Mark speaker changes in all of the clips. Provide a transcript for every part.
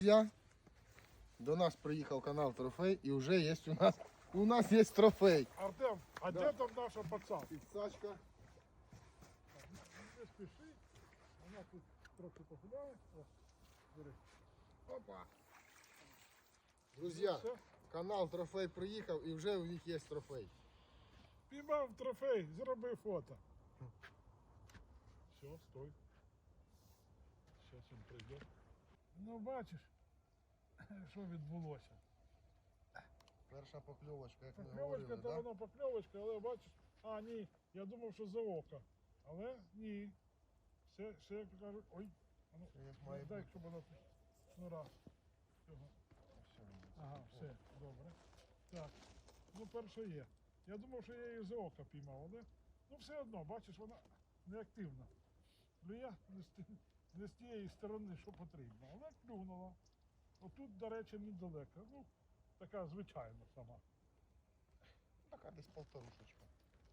Speaker 1: Друзья, до нас приїхав канал Трофей і вже є у нас є трофей.
Speaker 2: Артем, а де там наша пацан?
Speaker 1: Підсачка.
Speaker 2: Не спіши, вона тут трохи погуляє. О, бери.
Speaker 1: Опа. Друзья,
Speaker 2: Все.
Speaker 1: канал Трофей приїхав і вже у них є трофей.
Speaker 2: Піймав трофей, зроби фото. Все, стой. Зараз він прийде. Ну бачиш, що відбулося.
Speaker 1: Перша покльовочка, як ми
Speaker 2: Покльовочка,
Speaker 1: говорили,
Speaker 2: то
Speaker 1: да?
Speaker 2: вона покльовочка, але бачиш, а ні, я думав, що за око. Але ні. Все як кажуть, ой, а ну,
Speaker 1: Все як має
Speaker 2: дай,
Speaker 1: бути.
Speaker 2: щоб вона шнура. Цього.
Speaker 1: Все.
Speaker 2: Ага, все, добре. Так, ну перше є. Я думав, що я її за ока піймав, але ну все одно, бачиш, вона неактивна. Клює не з тієї сторони, що потрібно, але клюнула. Отут, до речі, недалеко. Ну, така звичайна сама.
Speaker 1: Така десь полторушечка.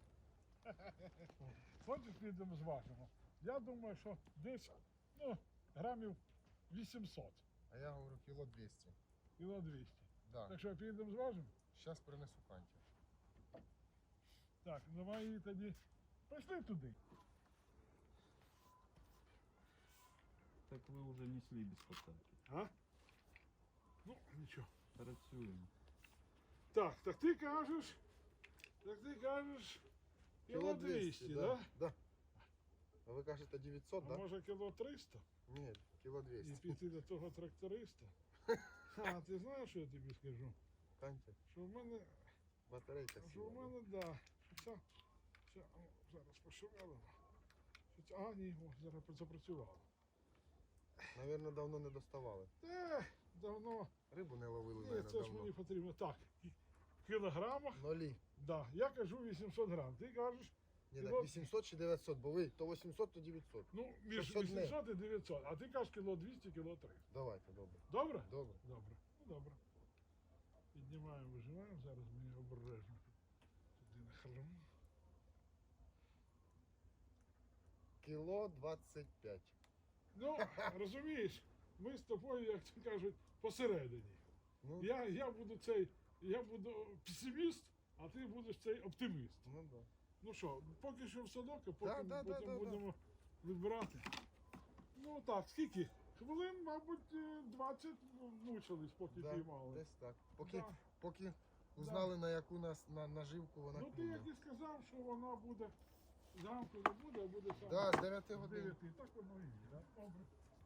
Speaker 2: Хочеш, підемо зважимо. Я думаю, що десь ну, грамів 800,
Speaker 1: А я говорю кіло 200.
Speaker 2: кіло 200.
Speaker 1: Да.
Speaker 2: Так що підемо зважимо?
Speaker 1: Зараз принесу канті.
Speaker 2: Так, давай її тоді. Пішли туди.
Speaker 3: Так ви вже несли без посадки.
Speaker 2: А? Ну, нічого.
Speaker 3: Працюємо.
Speaker 2: Так ти кажеш, кіло 200,
Speaker 1: да?
Speaker 2: да?
Speaker 1: Да. А ви кажете 900,
Speaker 2: А
Speaker 1: да?
Speaker 2: може кіло 300?
Speaker 1: Ні, кіло
Speaker 2: І
Speaker 1: 200.
Speaker 2: піти до того тракториста. А, ти знаєш, що я тобі скажу?
Speaker 1: Канті,
Speaker 2: Що в мене,
Speaker 1: батарейка
Speaker 2: що в
Speaker 1: сіла.
Speaker 2: мене, да, що ця, о, зараз пошумелимо. А, ні, о, зараз запрацювало.
Speaker 1: Навірно, давно не доставали.
Speaker 2: Давно.
Speaker 1: Рибу не ловили,
Speaker 2: Ні,
Speaker 1: навірно,
Speaker 2: це ж
Speaker 1: давно.
Speaker 2: мені потрібно. Так, в кілограмах,
Speaker 1: Нолі.
Speaker 2: да, я кажу 800 грам, ти кажеш,
Speaker 1: Ні,
Speaker 2: Кіло-
Speaker 1: так 800 чи 900, бо ви то 800, то 900.
Speaker 2: ну, між
Speaker 1: Щоб одне.
Speaker 2: 800 і 900, а ти кажеш кіло 200, кіло 300.
Speaker 1: Давайте, добре.
Speaker 2: Добре?
Speaker 1: Добре.
Speaker 2: Добре. Ну, добре. Піднімаємо, вижимаємо, зараз мені обережно. Туди нахилимо.
Speaker 1: Кіло 25.
Speaker 2: Ну, розумієш, ми з тобою, як то кажуть, посередині.
Speaker 1: Ну,
Speaker 2: Я буду песиміст, а ти будеш цей оптиміст.
Speaker 1: ну да.
Speaker 2: Ну що, поки що в садок, а потім
Speaker 1: Да.
Speaker 2: будемо відбирати. Ну так, скільки? Хвилин, мабуть, 20 мучились, поки
Speaker 1: Да,
Speaker 2: піймали.
Speaker 1: десь так.
Speaker 2: Да.
Speaker 1: Поки узнали, на яку нас наживку вона
Speaker 2: Ну ти
Speaker 1: клює.
Speaker 2: як і сказав, що вона буде зранку не буде, а буде саме
Speaker 1: Да, з 9
Speaker 2: з
Speaker 1: годин.
Speaker 2: 9. Так воно і є, да? Добре.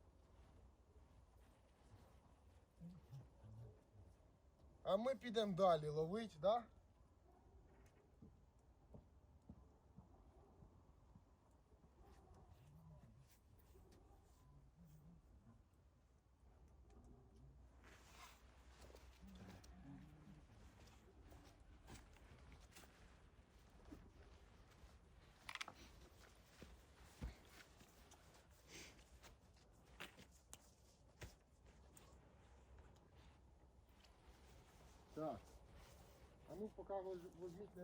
Speaker 1: А ми підемо далі ловити, да? Так. А ну поки возьміть